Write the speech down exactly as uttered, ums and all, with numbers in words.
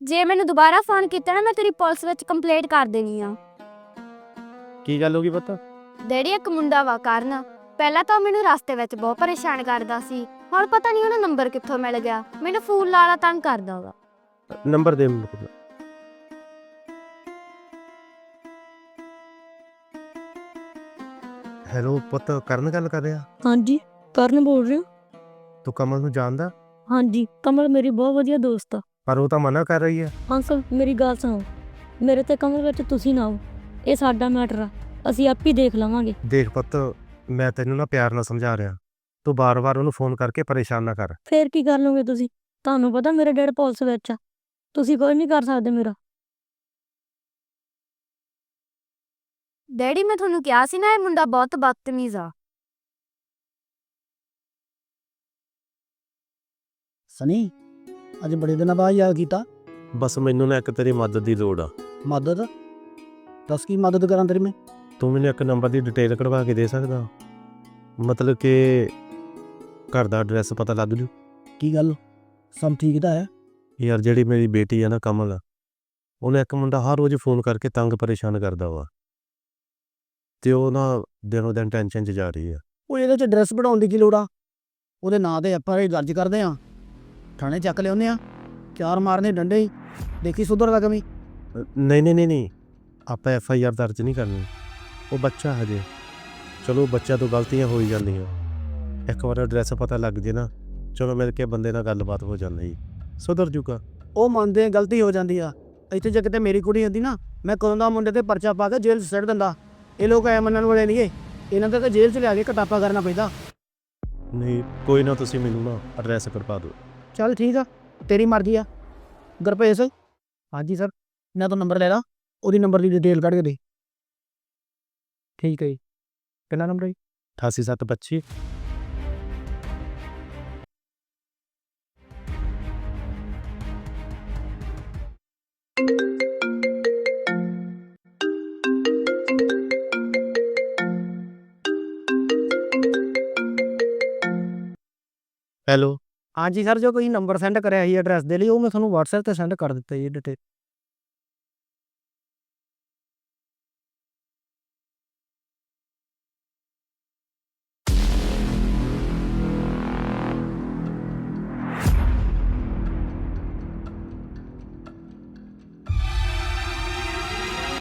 ਜੇ ਮੈਨੂੰ ਦੁਬਾਰਾ ਫੋਨ ਕੀਤਾ ਨਾ ਮੈਂ ਤੇਰੀ ਪੁਲਿਸ ਵਿੱਚ ਕੰਪਲੇਂਟ ਕਰ ਦੇਣੀ ਆ। ਕੀ ਗੱਲ ਹੋ ਗਈ ਪੁੱਤ? ਡੈਡੀ ਇੱਕ ਮੁੰਡਾ ਵਾ ਕਰਨ, ਪਹਿਲਾਂ ਤਾਂ ਉਹ ਮੈਨੂੰ ਰਸਤੇ ਵਿੱਚ ਬਹੁਤ ਪਰੇਸ਼ਾਨ ਕਰਦਾ ਸੀ, ਹੁਣ ਪਤਾ ਨਹੀਂ ਉਹਨੂੰ ਨੰਬਰ ਕਿੱਥੋਂ ਮਿਲ ਗਿਆ, ਮੈਨੂੰ ਫੋਨ ਲਾਲਾ ਤੰਗ ਕਰਦਾ ਵਾ। ਨੰਬਰ ਦੇ ਮੈਨੂੰ ਪੁੱਤ। ਹੈਲੋ ਪੁੱਤ, ਕਰਨ ਗੱਲ ਕਰ ਰਿਹਾ? ਹਾਂਜੀ ਕਰਨ ਬੋਲ ਰਹੇ ਹੋ? ਤੂੰ ਕਮਲ ਨੂੰ ਜਾਣਦਾ? ਹਾਂਜੀ ਕਮਲ ਮੇਰੀ ਬਹੁਤ ਵਧੀਆ ਦੋਸਤ ਆ। ਪਰ ਉਹ ਤਾਂ ਮਨਾ ਕਰ ਰਹੀ ਹੈ। ਅੰਕਲ ਮੇਰੀ ਗੱਲ ਸੁਣੋ, ਮੇਰੇ ਤੇ ਕਮਲ ਵਿੱਚ ਤੁਸੀਂ ਨਾ ਆਓ, ਇਹ ਸਾਡਾ ਮੈਟਰ ਆ, ਅਸੀਂ ਆਪ ਹੀ ਦੇਖ ਲਵਾਂਗੇ। ਦੇਖ ਪੁੱਤ, ਮੈਂ ਤੈਨੂੰ ਨਾ ਪਿਆਰ ਨਾਲ ਸਮਝਾ ਰਿਹਾ, ਤੂੰ ਬਾਰ-ਬਾਰ ਉਹਨੂੰ ਫੋਨ ਕਰਕੇ ਪਰੇਸ਼ਾਨ ਨਾ ਕਰ। ਫੇਰ ਕੀ ਕਰ ਲਓਗੇ ਤੁਸੀਂ? ਤੁਹਾਨੂੰ ਪਤਾ ਮੇਰੇ ਡੈਡ ਪੁਲਿਸ ਵਿੱਚ ਆ, ਤੁਸੀਂ ਕੋਈ ਨਹੀਂ ਕਰ ਸਕਦੇ ਮੇਰਾ। ਡੈਡੀ ਮੈਂ ਤੁਹਾਨੂੰ ਕਿਹਾ ਸੀ ਨਾ ਇਹ ਮੁੰਡਾ ਬਹੁਤ ਬਦਤਮੀਜ਼ ਆ। ਸਨੀ ਅੱਜ ਬੜੇ ਦਿਨਾਂ ਬਾਅਦ ਯਾਦ ਕੀਤਾ। ਬਸ ਮੈਨੂੰ ਨਾ ਇੱਕ ਤੇਰੀ ਮਦਦ ਦੀ ਲੋੜ ਆ। ਮਦਦ? ਦੱਸ ਕੀ ਮਦਦ ਕਰਾਂ ਤੇਰੀ ਮੈਂ? ਤੂੰ ਮੈਨੂੰ ਇੱਕ ਨੰਬਰ ਦੀ ਡਿਟੇਲ ਕਢਵਾ ਕੇ ਦੇ ਸਕਦਾ? ਮਤਲਬ ਕਿ ਘਰ ਦਾ ਐਡਰੈਸ ਪਤਾ ਲੱਗ ਜੂ। ਕੀ ਗੱਲ ਸਭ ਠੀਕ ਤਾਂ ਹੈ? ਯਾਰ ਜਿਹੜੀ ਮੇਰੀ ਬੇਟੀ ਆ ਨਾ ਕਮਲ, ਉਹਨੇ ਇੱਕ ਮੁੰਡਾ ਹਰ ਰੋਜ਼ ਫੋਨ ਕਰਕੇ ਤੰਗ ਪਰੇਸ਼ਾਨ ਕਰਦਾ ਵਾ, ਤੇ ਉਹ ਨਾ ਦਿਨੋਂ ਦਿਨ ਟੈਨਸ਼ਨ 'ਚ ਜਾ ਰਹੀ ਆ। ਉਹ ਇਹਦੇ 'ਚ ਐਡਰੈਸ ਬਣਾਉਣ ਦੀ ਕੀ ਲੋੜ ਆ? ਉਹਦੇ ਨਾਂ 'ਤੇ ਐਫ ਆਈ ਆਰ ਦਰਜ ਕਰਦੇ ਆ, ਥਾਣੇ ਚੱਕ ਲਿਆਉਂਦੇ ਆ, ਚਾਰ ਮਾਰਨੇ ਡੰਡੇ ਹੀ, ਦੇਖੀ ਸੁਧਰਦਾ ਕਮੀ। ਨਹੀਂ ਨਹੀਂ ਨਹੀਂ ਨਹੀਂ ਆਪਾਂ ਐਫ ਆਈ ਆਰ ਦਰਜ ਨਹੀਂ ਕਰਨੀ, ਉਹ ਬੱਚਾ ਹਜੇ। ਚਲੋ ਬੱਚਿਆਂ ਤੋਂ ਗਲਤੀਆਂ ਹੋ ਹੀ ਜਾਂਦੀਆਂ, ਇੱਕ ਵਾਰ ਐਡਰੈਸ ਪਤਾ ਲੱਗ ਜੇ ਨਾ, ਚਲੋ ਮਿਲ ਕੇ ਬੰਦੇ ਨਾਲ ਗੱਲਬਾਤ ਹੋ ਜਾਂਦੀ, ਸੁਧਰ ਜੂਗਾ। ਉਹ ਮੰਨਦੇ ਆ ਗਲਤੀ ਹੋ ਜਾਂਦੀ ਆ, ਇੱਥੇ ਜੇ ਕਿਤੇ ਮੇਰੀ ਕੁੜੀ ਹੁੰਦੀ ਨਾ, ਮੈਂ ਕਦੋਂ ਦਾ ਮੁੰਡੇ 'ਤੇ ਪਰਚਾ ਪਾ ਕੇ ਜੇਲ੍ਹ 'ਚ ਸੁੱਟ ਦਿੰਦਾ। ਇਹ ਲੋਕ ਐ ਮੰਨਣ ਵਾਲੇ ਨਹੀਂ ਗੇ, ਇਹਨਾਂ ਦਾ ਤਾਂ ਜੇਲ੍ਹ 'ਚ ਲਿਆ ਕੇ ਕਟਾਪਾ ਕਰਨਾ ਪੈਂਦਾ। ਨਹੀਂ ਕੋਈ ਨਾ, ਤੁਸੀਂ ਮੈਨੂੰ ਨਾ ਐਡਰੈਸ ਕਢਵਾ ਦਿਓ। ਚੱਲ ਠੀਕ ਆ, ਤੇਰੀ ਮਰਜ਼ੀ ਆ। ਗੁਰਭੇਜ? ਹਾਂਜੀ ਸਰ, ਮੈਂ ਤਾਂ ਨੰਬਰ ਲੈ ਲਾ, ਉਹਦੀ ਨੰਬਰ ਦੀ ਡਿਟੇਲ ਕੱਢ ਕੇ ਦੇ। ਠੀਕ ਹੈ ਜੀ, ਕਿੰਨਾ ਨੰਬਰ ਹੈ ਜੀ? ਅਠਾਸੀ ਸੱਤ ਪੱਚੀ। ਹੈਲੋ ਹਾਂਜੀ ਸਰ, ਜੋ ਕੋਈ ਨੰਬਰ ਸੈਂਡ ਕਰਿਆ ਸੀ ਐਡਰੈਸ ਦੇ ਲਈ, ਉਹ ਮੈਂ ਤੁਹਾਨੂੰ ਵਟਸਐਪ 'ਤੇ ਸੈਂਡ ਕਰ ਦਿੱਤਾ ਜੀ ਡਿਟੇਲ।